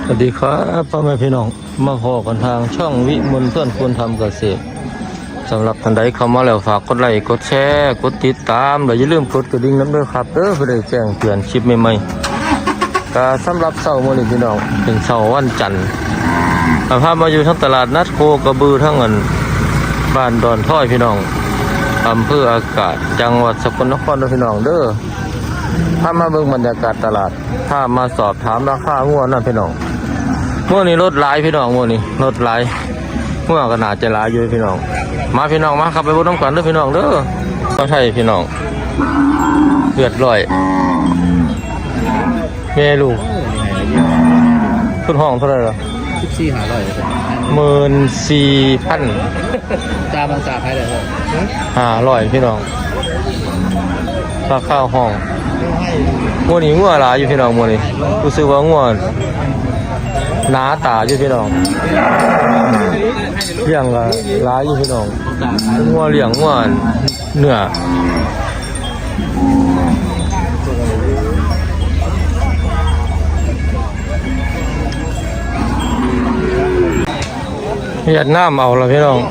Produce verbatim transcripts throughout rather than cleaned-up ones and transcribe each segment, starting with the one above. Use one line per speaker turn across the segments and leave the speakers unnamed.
สวัสดีครับพ่อแม่พี่น้องมาพอกันทางช่องวิมลเพื่อนควรทำเกษตรสำหรับท่านใดเข้ามาแล้วฝากกดไลค์กดแชร์กดติดตามและอย่าลืมกดกระดิ่งน้ำด้วยครับเด้อเพื่อได้แจ้งเตือนคลิปใหม่ๆก็สำหรับเสาร์มื้อนี้พี่น้องเป็นเสาร์วันจันทร์พามาอยู่ทั้งตลาดนัดโคกระบือทั้งเงินบ้านดอนท้อยพี่น้องอำเภออากาศจังหวัดสกลนครพี่น้องเด้อถ้ามาเบิ่งบรรยากาศตลาดถ้ามาสอบถามราคางัวนั่นพี่น้องงัวนี้รถหลายพี่น้องงัวนี้รถหลายงัวก็น่าจะหลายอยู่พี่น้องมาพี่น้องมาขับไปบนน้ำกันเด้อพี่น้องเด้อก็ใช่พี่น้องเลือดลอยแม่ลูกทุนห้องเท่าไหร่ล่ะ
สิบสี่หาร้อย
หมื่นสี่พัน
ตาบางตาใครเลย
ห้าร้อยพี่น้องราคาห้องงัวนี้งัวหลายอยู่พี่น้องงัวนี้รู้สึกว่างัวหนาตาอยู่พี่น้องเลี้ยงละหลายอยู่พี่น้องงัวเลี้ยงงัวเนื้อเวียดนามเอาละพี่น้อง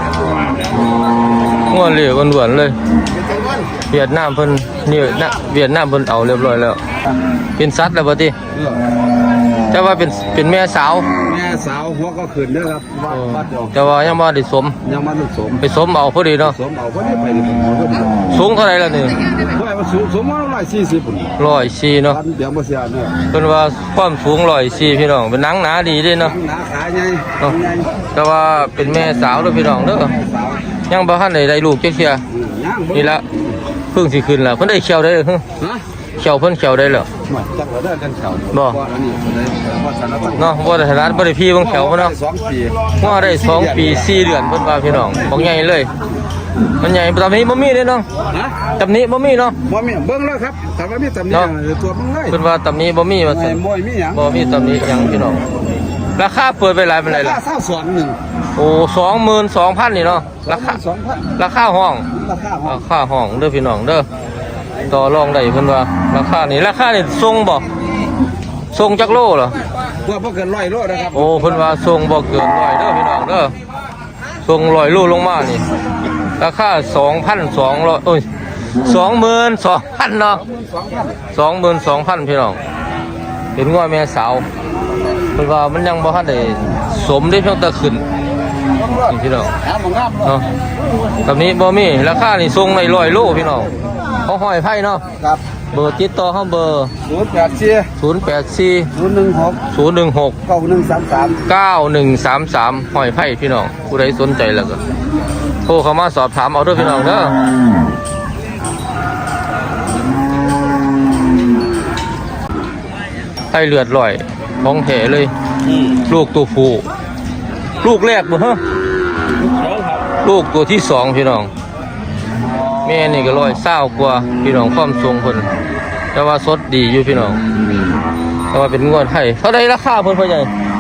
งัวเหลือล้วนๆเลยเวียดนามเพิ่นนี่นะเวียดนามเพิ่นเอาเรียบร้อยแล้วเป็นสัตว์แล้วบ่ติแต่ว่าเป็นเป็นแม่สาว
แม่สาวหัวก็ขึ้นเด้อครับวัดเดียว
แต่ว่ายังบ่ได้สม
ยังบ่ได้สม
ไปสมเอาพอดีเนาะ
สมเอาพอดีไปนี่ผมก็
สูงเท่าไหร่ล่ะนี่
ว่ามันสูงสูงมาหนึ่งร้อยสี่สิบปุ่น
หนึ่งร้อยสี่เนาะ
เดี๋ยวบ่เสียเนาะ
เพิ่นว่าความสูงหนึ่งร้อยสี่พี่น้องเป็นหนังหนาดีเด้เนาะ
หนาขาใหญ่
เนาะแต่ว่าเป็นแม่สาวเด้อพี่น้องเด้อยังบ่ทันได้ได้ลูกจักเที่ยนี่ละเพิ่งสิขึ้นแล้วเพิ่นได้เขียวได้ฮะเขียวเพิ่นเขียวได้แล้ว
จักว่าได้กันเขียว
บ่เนาะบ่ได้ถนัดบ่ได้พี่เบิ่งเขียวบ่เนาะ
สองปี
ว่าได้สองปีสี่เดือนเพิ่นว่าพี่น้องบ่ใหญ่เลยมันใหญ่ตำนี้บ่มีเด้เนาะตำนี้บ่มีเนาะ
บ่มีเบิ่งแล้วครับถ้าว่ามีตำนี้ตัวเบิ่งเลย
เพิ่นว่าตำนี้บ่มีว่าซั่น
บ่มีหยัง
บ่มีตำนี้หยังพี่น้องราคาเปิดไปหลายปานใดล่ะ
ราคาสองหนึ่ง
โอ้ สองหมื่นสองพัน นี่เนาะราคา
สองพัน
ราคาห้อง
ราคาห้อง
ราคาห้องเด้อพี่น้องเด้อต่อรองได้เพิ่นว่าราคานี่ราคานี่ทรงบ่ทรงจักโลเหรอ
ว่าบ่เกินร้อยโลนะครับ
โอ้เพิ่นว่าทรงบ่เกินร้อยเด้อพี่น้องเด้อทรงร้อยโลลงมานี่ราคา สองพันสองร้อย โอ้ย สองหมื่นสองพัน เนาะ สองหมื่นสองพัน พี่น้องเป็นงัวแม่สาวเพิ่นว่ามันยังบ่ทันได้สมได้เพียงแต่ขึ้นนี่พี่น้องเนาะตอนนี้บ่มีราคานี่ทรงในร้อยโลพี่น้องเขาห้อยไผ่เนาะ
ครับ
เบอร์ติดต่อเฮาเบอร์
ศูนย์แปดสี่
ศูนย์แปดสี่
ศูนย์หนึ่งหก
ศูนย์หนึ่งหก
เก้าหนึ่งสามสาม
เก้าหนึ่งสามสามห้อยไผ่พี่น้องผู้ใดสนใจแล้วก็โทรเข้ามาสอบถามเอาเด้อพี่น้องเด้อไผ่เลือดลอยของแท้เลยลูกตัวผู้ลูกแรกบ่ฮะลูกตัวที่สองพี่น้องแม่นี่ก็ร้อยเศร้ากว่าพี่น้องความทรงเพิ่นแต่ว่าสดดีอยู่พี่น้องแต่ว่าเป็นงวดไทยเท่าใดราคาเพิ่นพ่อใหญ่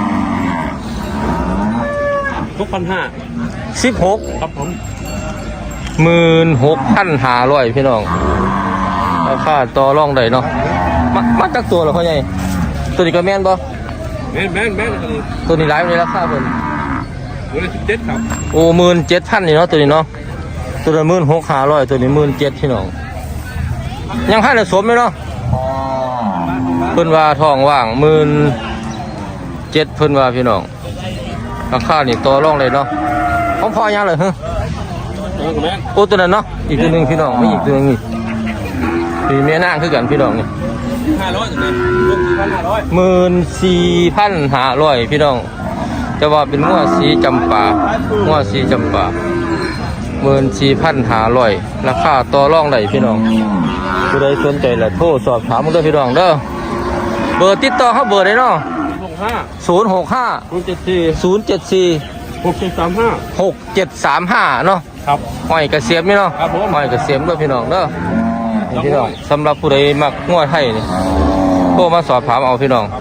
หกพันห้า
สิบหก
ครับผม
หมื่นหกพันห้าร้อยพี่น้องราคาต่อรองได้เนาะมามาจากตัวเหรอพ่อใหญ่ตัวนี้ก็แม่นบ่
แม่นแม่นแม่น
ตัวนี้หลายในราคาเพิ่น
ตัวละสิบเจ็ดครับ
โอ้หมื่นเจ็ดพันนี่เนาะตัวนี้เนาะตัวละหมื่นหกห้าร้อยตัวนี้หมื่นเจ็ดพี่น้องยังให้ได้สมไหมเนาะเพิ่นว่าทองว่างหมื่นเจ็ดเพิ่นว่าพี่น้องราคานี่ต่อรองเลยเนาะของพ่อยังเลยฮะโอ้ตัวนั้นเนาะอีกตัวหนึ่งพี่น้องไม่อีกตัวนึงนี่พี่แม่นางคือกันพี่น้องนี่
ห้าร้อยตัวนี้ลูกพันห้าร้อย
หมื่นสี่พันห้าร้อยพี่น้องจะว่าเป็นงัวสีจำปางัวสีจำปาหมื่นสี่พันห้าร้อยราคาต่อรองได้พี่น้องผู้ใดสนใจละโทรสอบถามมาด้วยพี่น้องเด้อเบอร์ติดต่อเขาเบอร์ไหนเนาะศูนย์หกห้าศูนย์เจ็ดสี่ศูนย์เจ็ดสี่
หกเจ็ดสามห้า
หกเจ็ดสามห้าเนาะ
ครับ
ห้อยกระเสียมนี่เนาะ
ครับผม
ห้อยกระเสียมด้วยพี่น้องเด้อพี่น้องสำหรับผู้ใดมักงัวไทยนี่โทรมาสอบถามเอาพี่น้อง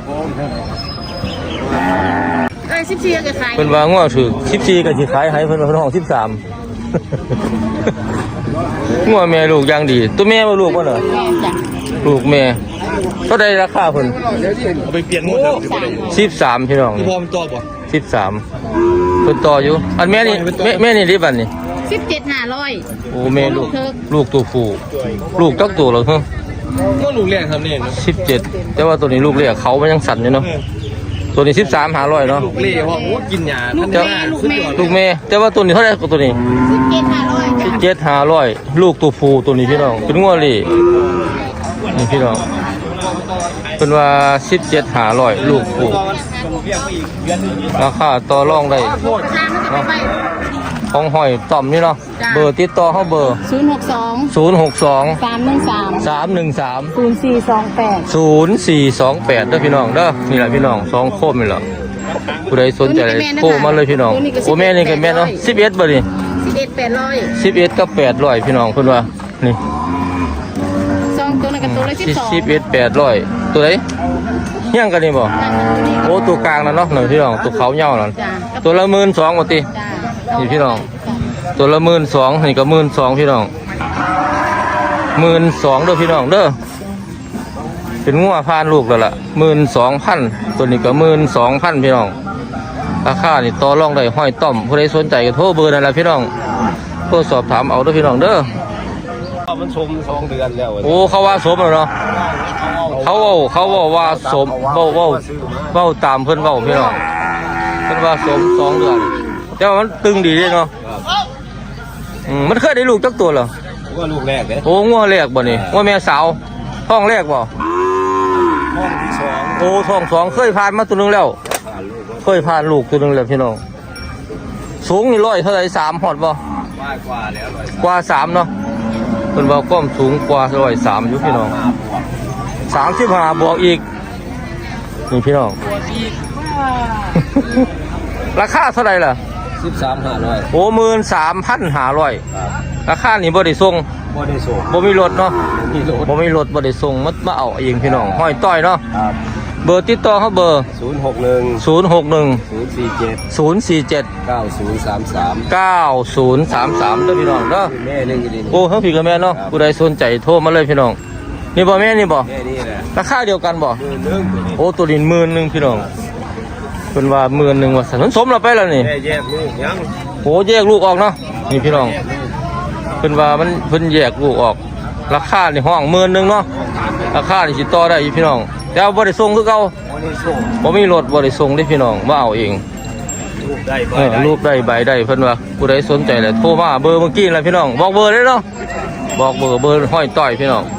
เอ้ยสิบสี่ก็ขาย
เป็นว่างัวถือสิบสี่ก็สิขายให้เพิ่นว่าเพิ่นห้องสิบสามงัวแม่ลูกอย่างดีตัวแม่บ่ลูกบ่เหรอลูกแม่เท่าใดราคาเพิ่น
เอาไปเปลี่ยนหมดครับ
สิบสามพี่น้อง
พี่พอมันตัวบ่
สิบสามเพิ่นต่ออยู่อันแม่นี่แม่แม่นี่ริบันนี่
สิบเจ็ดห้าร้อย
โอ้แม่ลูกลูกตัวผู้ลูกจักตัวเหรอฮะ
ก็ลูกแรกทำนี่เนาะ
สิบเจ็ดแต่ว่าตัวนี้ลูกเรียกเขามันยังสั่นอยู่เนาะตัวนี้สิบสามหาร้อยเนาะ
ลูกเล่เพราะว่ากินยา
ลูก
ท่าน
แม่
ว่า
ลูกแม่
ลูกแม่แต่ว่าตัวนี้เท่าไหร่ตัวนี้
สิบเจ็ดห้าร้อย
สิบเจ็ดหาร้อยลูกตัวผู้ตัวนี้พี่น้องเป็นงัวเลยนี่พี่น้องเป็นว่าสิบเจ็ดหาร้อยลูกผู้ราคาต่อรองได้
ทางมันจะไป
ของหอยต่อมนี่เนาะเบอร์ติดต่อเขาเบอร์
ศูนย์หกสอง
ศูนย์หกสอง
สามหนึ่งสาม
สามหนึ่งสาม
ศูนย์สี่สองแปด
ศูนย์สี่สองแปดเด้อพี่น้องเด้อนี่แหละพี่น้องสองโคมนี่แหละผู้ใดสนใจโทรมาเลยพี่น้องโอ้แม่นี่ก็แม่เนาะสิบเอ็ดบ่นี่
สิบเอ็ดแปดร้อย
สิบเอ็ดกับแปดร้อยพี่น้องเพิ่นว่านี่
สองตัวนั้นกับตัวละสิบสอง
สิบเอ็ดแปดร้อยตัวไหนเฮี้ยงกันนี่บ่โอ้ตัวกลางนั่นเนาะหนึ่งพี่น้องตัวเขาเหย้านั่น
จ้า
ตัวละหมื่นสองว่าติ
จ้า
นี่พี่น้องตัวละหมื่นสองนี่ก็หมื่นสองพี่น้องหมื่นสองเด้อพี่น้องเด้อเป็นงัวพานลูกแล้วล่ะหมื่นสองพันตัวนี้ก็หมื่นสองพันพี่น้องราคานี่ต่อรองได้ห้อยต่อมผู้ใดสนใจก็โทรเบอร์นั่นแหละพี่น้องโทรสอบถามเอาเด้อพี่น้องเด้อ
มันชมสองเดือนแล้ว
โอ้เขาว่าสมแล้วเนาะเขาเว้าเขาเว้าว่าสมเว้าเว้าเว้าตามเพิ่นเว้าพี่น้องเพิ่นว่าสมสองเดือนแต่ว่ามันตึงดีเด้เนาะอืมมันเคยได้ลูกจักตัวเหรอ
ว่าลูกแรกเลย
โอ้งัวแรกบ่นี่งัวแม่สาวท้องแรกบ่
ห้องที่สอง
โอ้ท้องสองเคยผ่านมาตัวหนึงแล้ว
ผ่านลูก
เคยผ่านลูกตัวหนึงแล้วพี่น้องสูงนี่ร้อยเท่าไหร่สามฮอดบ่
ว่ากว่าแล้วเลย
กว่าสามเนาะเพิ่นว่าความสูงกว่าร้อยสามอยู่พี่น้องสามสิบห้าบวกอีกนี่พี่น้อง ราคาเท่าไหร่ล่ะ
สิบสามห้าร้อย
โอ้หมื่นสามพันห้าร้อยราคานี่บ่ได้ส่ง
บ่ได้ส่ง
บ่มีรถเนาะ
มีโหลด
บ่มีรถบ่ได้ส่งมามาเอาเองพี่น้องห้อยต้อยเนาะ
ครับ
เบอร์ติดต่อเขาเบอร์
ศูนย์หกหนึ่ง
ศูนย์หกหนึ่ง
ศูนย์สี่เจ็ด
ศูนย์สี่เจ็ด
เก้าศูนย์สามสาม
เก้าศูนย์สามสามเด้อพี่น้องเด้อ
แม่หนึ่งอยู่ดี
โอ้เฮาพี่กับแม่เนาะผู้ใดสนใจโทรมาเลยพี่น้องนี่บ่แม่นี่บ่
แม่นี่แหละ
ราคาเดียวกันบ่
มือหนึ่ง
โอ้ตัวนี้หมื่นหนึงพี่น้องเพิ่นว่าหมื่นหนึงว่าสันสมแล้วไปแล้วนี่
แม่แยกลูกยัง
โอ้แยกลูกออกเนาะนี่พี่น้องเพิ่นว่ามันเพิ่นแยกลูกออก ราคาในห้องหมื่นหนึงเนาะราคานี่สิต่อได้อยู่พี่น้องแต่ว่าบ่ได้ส่งคือเก่า
บ่ได้ส่ง
บ่มีรถบ่ได้ส่งเด้พี่น้องมาเอาเอง
ลูกได้
เออรูปได้ใบได้เพิ่นว่าผู้ใดสนใจเลยโทรมาเบอร์เมื่อกี้แหละพี่น้องบอกเบอร์เลยเนาะบอกเบอร์เบอร์ห้อยต่อยพี่น้อง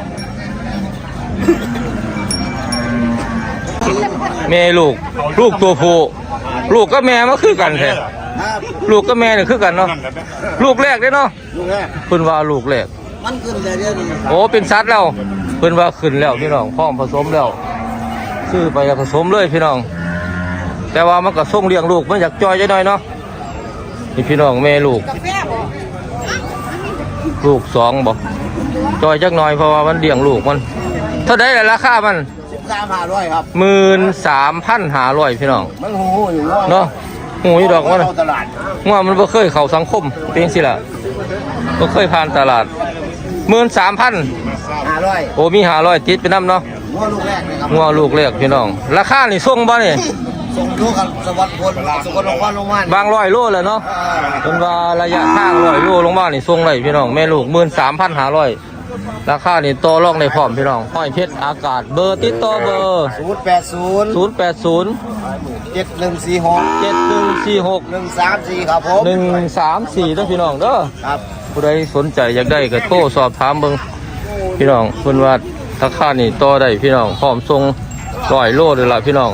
แม่ลูกลูกตัวผู้ลูกกับแม่มันคือกันแท้ลูกกับแม่นี่คือกันเนาะลูกแรกเด้เนาะ
ลูกแรก
เพิ่นว่าลูกแรก
มันขึ้นแต่เดียวนี้
โอ้เป็นสัตว์แล้วเพิ่นว่าขึ้นแล้วพี่น้องพร้อมผสมแล้วซื้อไปแล้วผสมเลยพี่น้อง แต่ว่ามันก็ส่งเลี้ยงลูกมันอยากจอยจังหน่อยเนาะนี่พี่น้องแม่ลูก
กาแฟบ่
ลูกสองบ่จอยจักหน่อยเพราะว่ามันเลี้ยงลูกมันเท่าไดล่ะราคามัน
สิบสามห้าร้อยครับ
หมื่นสามพันห้าร้อยพี่น้อง
มันหูอยู่ว่า
เนาะหูยดอกมัน
เข้าตลาด
ว่ามันบ่เคยเข้าสังคมเป็นสิล่ะบ่เคยผ่านตลาดหมื่นสามพัน
ห้าร้อย
โอ้มีห้าร้อยติดไปน้ำเนาะ
งัวลูกแรกนะครับ
งัวลูกแรกพี่น้อง ราคานี่ส่งบ่นี่
ส่งลูกกันสวัสดิ์พลสกลนครลงมา
บางร้อยโลแล้วเนาะจนว่าระยะทางร้อยโลลงมานี่ส่งได้พี่น้องแม่ลูกหมื่นสามพันห้าร้อยราคานี่ต่อรองได้พร้อมพี่น้องห้อยเพชรอากาศเบอร์ติดต่อเบอร์
ศูนย์แปดศูนย์
ศูนย์แปดศูนย์
เจ็ดหนึ่งสี่หก
เจ็ดหนึ่งสี่หก
หนึ่งสามสี่ครับผม
หนึ่งสามสี่เด้อพี่น้องเด้อ
ครับ
ผู้ใดสนใจอยากได้ก็โทรสอบถามเบิ่งพี่น้องเพิ่นว่าราคานี่ต่อได้พี่น้องพร้อมส่งร้อยโลเลยล่ะพี่น้อง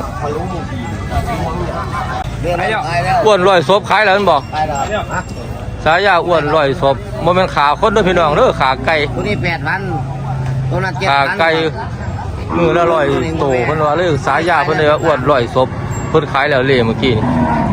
เรียนแล้วขายแล้ว
อ้วนร้อยศพขายแล้วแม่นบ่
ขายแล้วฮะ
สายาอ้วนร้อยศพบ่แม่นขาคนเด้อพี่น้องเด้อขาไก่
ตัวนี้แปดพันตัวนั้นเจ็ด
ขา
พัน
ไก่มือละร้อยโตเพิ่นว่าเลยสายาเพิ่นเลยว่าอ้วนร้อยศพเพิ่นขายแล้วเลยเมื่อกี้นี่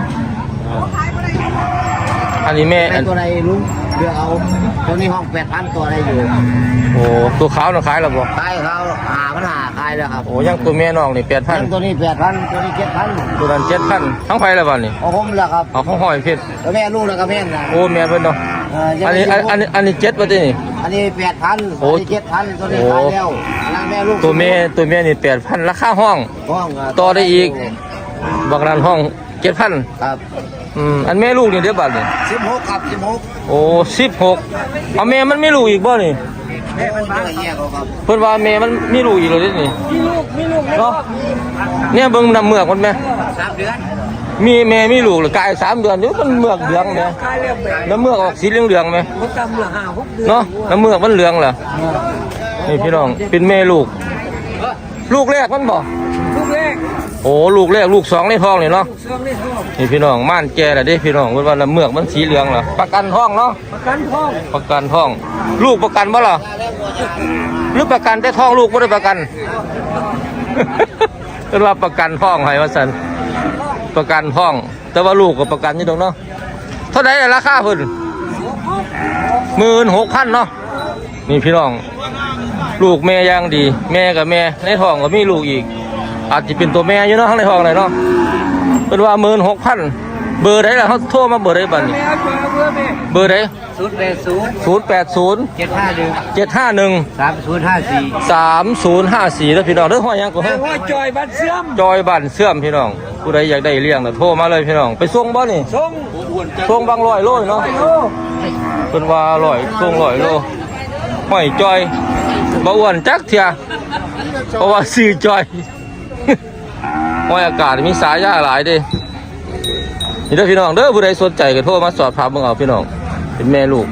อันนี้แม่
เป็
อัน
นตัวใดลุงเลือกเอาตัวนี้ห้องแปดพันตัวอะไรอยู่
โอ้ตัวขาวน่ะขายแล้วบ่
ขายเขาหาปัญหาขายแล้วครับ
โอ้ยังตัวแม่น้องนี่แปดพัน
ตัวนี้แปดพันตัวนี้เจ็ดพัน
ตัวนั้นเจ็ดพันทั้งไผแล้วบัดนี้
เอาผมแล้วครับ
เอาของห้อยเพชร
แล้วแม่ลูกแล้วก็แม่นะ
โอ้แม่เพิ่นเนาะ
เอ่อยัง
อัน
ไม่
นี้
สิบหก
อันนี้อันนี้เจ็ดป่ะที่นี่
อันนี้แปดพัน
โอ้
อันนี้เจ็ดพันตัวนี้
โอ้
ขายแล้วอันนั้นแม่ลูก
ตัวเมียตัวเมียนี่แปดพันราคาห้อง
ห้อง
ต่อได้อีก บางร้านห้องเจ็ดพัน
ครับ
อืมอันแม่ลูกนี่เดี๋ยวบาทนี่
สิบหกครับสิบหก
โอ้สิบหกเอาแม่มันไม่ลูกอีกบ่นี่
แม่มันมาแยกเอาครับ
เพิ่นว่าแม่มันมีลูกอีกแล้วเด้นี่มีลูกมีลูกเนาะเนี่ยเบิ่งน้ำเมือกมันแม่
สามเดือน
มีแม่มีลูกหรือกายสามเดือนเดี๋ยวมันเมือกเหลืองแม่น้ำเมือกออกสีเหลืองๆไหมเนาะน้ำเมือกมันเหลืองเหรอนี่พี่น้องเป็นแม่ลูก ลูกแรกมันบ่
ลูกแรก
โอ้ลูกแรกลูกสองในท้องนี่เนาะนี่พี่น้องม่านแก่แล้วเด้พี่น้องเพิ่นว่าน้ำเมือกมันสีเหลืองเหรอประกันท้องเนาะ
ประกันท้อง
ประกันท้อง ลูกประกันบ่ล่ะหรือประกันแต่ท้องลูกบ่ได้ประกัน เพิ่นว่าประกันท้องให้ว่าซั่นประกันท้อง แต่ว่าลูกก็ประกันอยู่ตรงเนาะเท่าไหร่ราคาเพิ่น หมื่นหกพันเนาะนี่พี่น้อง ลูกแม่ย่างดี แม่กับแม่ในท้องก็มีลูกอีก อาจจะเป็นตัวแม่อยู่เนาะข้างในท้องเลยเนาะเป็นว่าหมื่นหกพันเบอร์ไหนล่ะเขาโทรมาเบอร์ไหนบ้างนี่เบอร์ไหน
ศูนย์แปดศูนย์
ศูนย์แปดศูนย์
เจ็ดห้าหนึ่ง
เจ็ดห้าหนึ่ง
สามศูนย์ห้าสี่
สามศูนย์ห้าสี่แล้วพี่น้องเด้อห้อยยังก็ให้
ห้อยจอยบัตรเสื่อม
จอยบ้านเสื่อมพี่น้องผู้ใดอยากได้เลี้ยงน่ะโทรมาเลยพี่น้องไปส่งบ่นี่
ส่ง
ส่งบางร้อยโลเนาะเป็นว่าร้อยส่งร้อยโลห้อยจอยบ่อ้วนจักเถียเพราะว่าซื้อจอย ห้อยอากาศมีสายยาหลายเด้นี่เด้อพี่น้องเด้อผู้ใดสนใจก็โทรมาสอบถามเบิ่งเอาพี่น้องเป็นแม่ลูก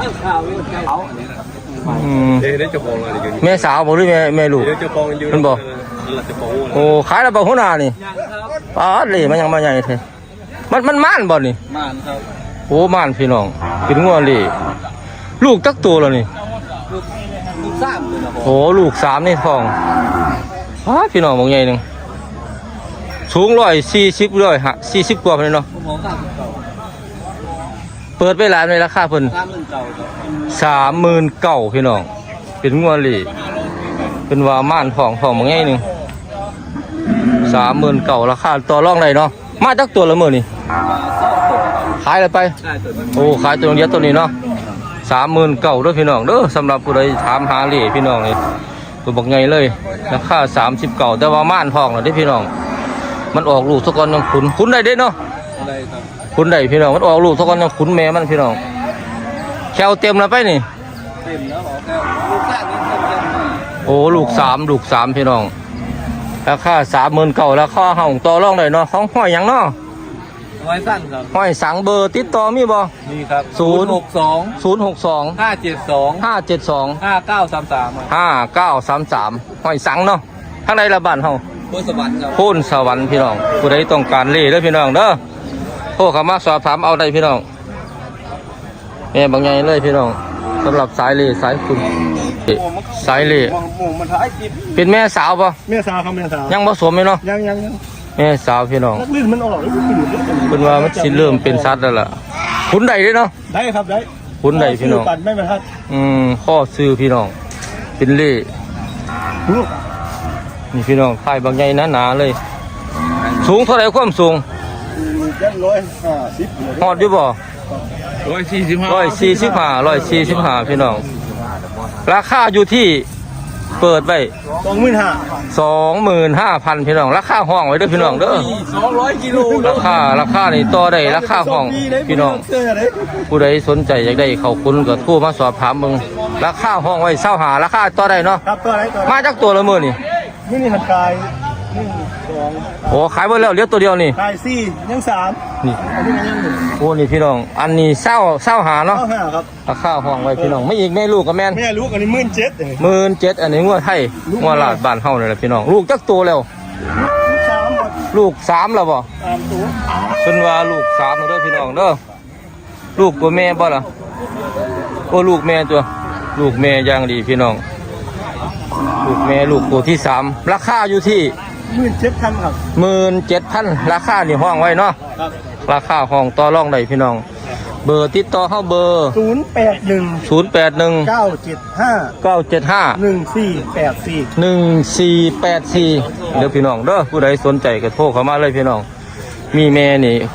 อืม
เดี๋ยวได้จะฟองอะไรกัน
แม่สาวบ่หรือแม่แม่ลูก
เดี๋ยวจะฟองอยู่
มันบอก
เราจะฟอง
โอ้ขายแล้วบ่หัวหน้านี่ปาดเลยมันยังมาใหญ่แท้มันมันม่านบ่นี่
ม่านครับ
โอ้ม่านพี่น้องเป็นงัวเลยลูกตักตัวแล้วนี่
ลูกสามเลยนะ
โอ้ลูกสามในท้องอ้าพี่น้องบางใหญ่หนึงสูงร้อยสี่สิบร้อยฮะสี่สิบกว่าเลยเนาะ
ผมมองสามเก่า
เปิดไปร้านในราคาเพิ่น
สามหมื่นเก่าครับ
สามหมื่นเก้าพี่น้องเป็นงัวเลยเป็นว่าม่านท้องท้องบางใหญ่หนึงสามหมื่นเก้าราคาต่อรองได้เนาะมาจักตัวละมื้อนี่ขายแล้วไป
ได้ตัวนั้น
โอ้ขายตัวเดียวตัวนี้เนาะสามหมื่นเก่าด้วยพี่น้องเด้อสำหรับผู้ใดถามหาเหล่พี่น้องนี่ตัวบักไงเลยราคาสามสิบเก่าแต่ว่าม่านทองเหรอที่พี่น้องมันออกลูกทุกคนยังขุนขุนได้เด้เนาะ
ได้ครับ
ขุนได้พี่น้องมันออกลูกทุกคนยังขุนแม่มันพี่น้องแควเต็มแล้วไปนี่
เต็มแล้วออกแล้วลูกแรกนี่เต็มเต็ม
โอ้ลูกสามลูกสามพี่น้องราคาสามหมื่นเก่าราคาห้องต่อรองได้เนาะของห้อยหยังเนาะ
ไว้สั้นครับ
ห้อยสังเบอร์ติดต่อมีบ่
นี่ครับ
ศูนย์
หกสอง
ศูนย์หกสอง
ห้าเจ็ดสอง
ห้าเจ็ดสอง
ห้าเก้าสามสาม
ห้าเก้าสามสามห้อยสังเนาะข้างในละบ้านเฮา
บนสวรรค์ครับ
โพ้นสวรรค์พี่น้องผู้ใดต้องการเล่เด้อพี่น้องเด้อโทรเข้ามาสอบถามเอาได้พี่น้องแม่บางใหญ่เลยพี่น้องสำหรับสายเล่สายคุณสายเล่
หมูมันท้ายจิบ
เป็นแม่สาวปะ
แม่สาวครับแม่สาว
ยังผสมไหมเนาะ
ยังยังยัง
แม่สาวพี่น้อง
นักลื่นมันออกแล้วมันอยู่ด้วยกัน
เป็นว่ามันสิเริ่มเป็นสัตว์แล้วล่ะขุนใดเด้อเนาะ
ได้ครับได้
ขุนใดพี่น้อง
ปั่นไม่มาทัด
อืมข้อซื้อพี่น้องเป็นเล่
ลูก
นี่พี่น้องถ่ายบางใหญ่หนาๆเลย สูงเท่าไหร่ความสูง
ยันร้อยห้าสิบ
ฮอดอยู่บ่
ร้อยสี่สิบห้า
ร้อยสี่สิบห้าร้อยสี่สิบห้าพี่น้อง ราคาอยู่ที่เปิดไป
สองหมื่นห้า
สองหมื่นห้าพันพี่น้อง ราคาห้องไว้เด้อพี่น้องเด้อ
สองร้อยกิโล
ราคาราคานี่ต่อได้ราคาห้องพี่น้อง
เสื้ออะไร
ผู้ใดสนใจอยากได้เข้าคุณก็โทรมาสอบถามมึงราคาห้องไว้เศร้าหาราคาต่อได้เนาะ
ครับตัวอะไรตัว
มาจากตัวละหมื่นนี่
นี่นี่หันกายหนึ่งสอง
โอ้ขายหมดแล้วเหลือตัวเดียวนี่
กายสี่ยังสาม
นี่
อันนี้มันยังหนึ่ง
โอ้นี่พี่น้อง อันนี้เศร้าเศร้าหาเนาะ
เก้าห้าครับ
ราคาห้องไว้พี่น้องไม่อีกแม่ลูกกับแม่น
แม่ลูกอันนี้หมื่นเจ็ดเอง
หมื่นเจ็ดอันนี้งวดไทยงวดลาดบ้านเฮานี่แหละพี่น้องลูกจักตัวแล้ว
ลูกสามหมด
ลูกสามแล้วบ่
สามตัว
เพิ่นว่าลูกสามเด้อพี่น้องเด้อลูกตัวแม่บ่ล่ะโอ้ลูกแม่ตัว ลูกแม่อย่างดีพี่น้อง ลูกแม่ลูกตัวที่สามราคาอยู่ที่
หมื่นเจ็ดพันครับ
หมื่นเจ็ดพันราคานี่ห้องไว้เนาะ
ครับ
ราคาห้องต่อรองได้พี่น้อง เบอร์ติดต่อเข้าเบอร์
ศูนย์แปดหนึ่ง
ศูนย์แปดหนึ่ง
เก้าเจ็ดห้า
เก้าเจ็ดห้า
หนึ่งสี่แปดสี่
หนึ่งสี่แปดสี่เดี๋ยวพี่น้องเด้อผู้ใดสนใจก็โทรเข้ามาเลยพี่น้อง มีแม่นี่แ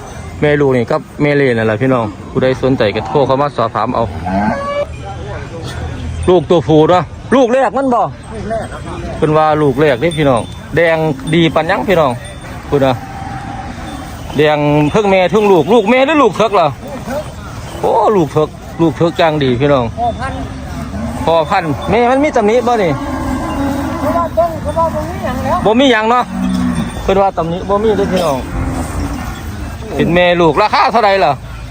แม่ลูกนี่กับแม่เล่นั่นแหละพี่น้องผู้ใดสนใจก็โทรเข้ามาสอบถามเอาลูกตัวผู้เนาะลูกแรกมันบ่เป็นว่าลูกแรกนี่พี่น้องแดงดีปันยังพี่น้องพูดนะแดงเพิ่งแม่เพิ่งลูกลูกแม่หรือลูกเถิกเหรอโอ้ลูกเถิกลูกเถิกจังดีพี่น้องพอพันพอพันแม่มันมีตำหนิบ่นี่บ่มีหยังเนาะเป็นว่าตำหนิบ่มีด้วยพี่น้องเป็นแม่ลูกราคาเท่าไหร่ล่ะ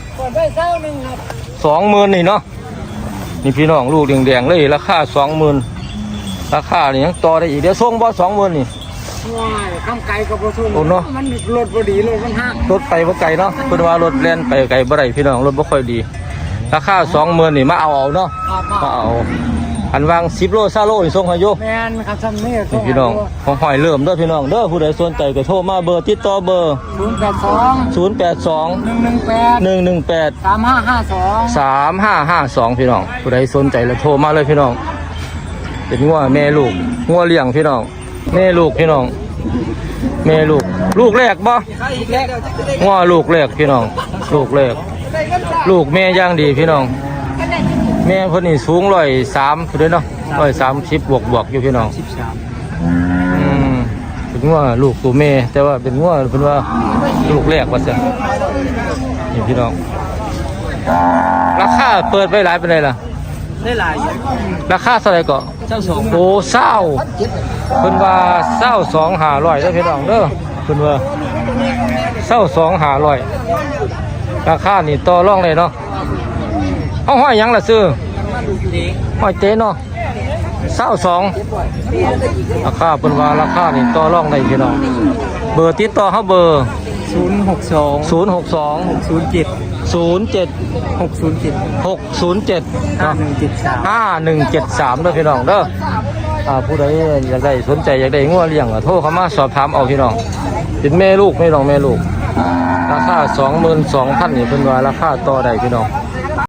สองหมื่นนี่เนาะนี่พี่น้องลูกแดงๆเลยราคาสองหมื่นราคานี่ยังต่อได้อีกเดี๋ยวส่งบ่สองหมื่นนี่
ว้ายข้ามไกลกับรถทุน
โอ้เนาะ
มันรถพอดีรถมันห้าง
รถไปบ่ไกลเนาะเป็นว่ารถแล่นไปไกลบ่ได้พี่น้องรถบ่ค่อยดีราคาสองหมื่นนี่มาเอาเอาเนาะมาเอาอันวางสิบโลซาโลนี่ส่งให้อยู่
แมนครับซ้ำนี่
นี่พี่น้องของหอยเริ่มเด้อพี่น้องเด้อผู้ใดสนใจก็โทรมาเบอร์ติดต่อเบอร์
ศูนย์แปดสอง
ศูนย์ แปด สอง
หนึ่งหนึ่งแปด
หนึ่ง หนึ่ง แปด
สามห้าห้าสอง
สาม ห้า ห้า สองพี่น้องผู้ใดสนใจแล้วโทรมาเลยพี่น้องเป็นงัวแม่ลูกงัวเลี้ยงพี่น้องแม่ลูกพี่น้องแม่ลูกลูกแรกบ่งัวลูกแรกพี่น้องลูกแรกลูกแม่ย่างดีพี่น้องแม่เพิ่นนี่สูงร้อยสามเด้อเนาะร้อยสามสิบบวกบวกอยู่พี่น้องอืมเป็นงัวลูกตัวแม่แต่ว่าเป็นงัวเพิ่นว่าลูกแรกว่าซั่นนี่พี่น้องราคาเปิดไว้หลายเป็นไรล่ะ
ได้หลาย
ราคาเท่าไหร่ก็
เจ้าสอง
โอ้เศร้าเพิ่นว่าเศร้าสองหาร้อยเด้อพี่น้องเด้อเพิ่นว่าเศร้าสองหาร้อยราคานี่ต่อรองเลยเนาะเอาห้อยหยังล่ะซื้อห้อยเต้เนาะเศร้าสองราคาเพิ่นว่าราคานี่ต่อรองได้พี่น้องเบอร์ติดต่อเฮาเบอร์
ศูนย์หกสอง
ศูนย์ หก สอง
ศูนย์เจ็ด
ศูนย์ เจ็ด
หกศูนย์เจ็ด
หก ศูนย์ เจ็ด
ห้า
เนาะ
หนึ่งเจ็ดสาม
ห้าหนึ่งเจ็ดสามเด้อพี่น้องเด้ออ่าผู้ใดอยากได้สนใจอยากได้งัวเลี้ยงก็โทรเข้ามาสอบถามเอาพี่น้องเป็นแม่ลูกไม่น้องแม่ลูกราคาสองหมื่นสองพันนี่เป็นว่าราคาต่อได้พี่น้อง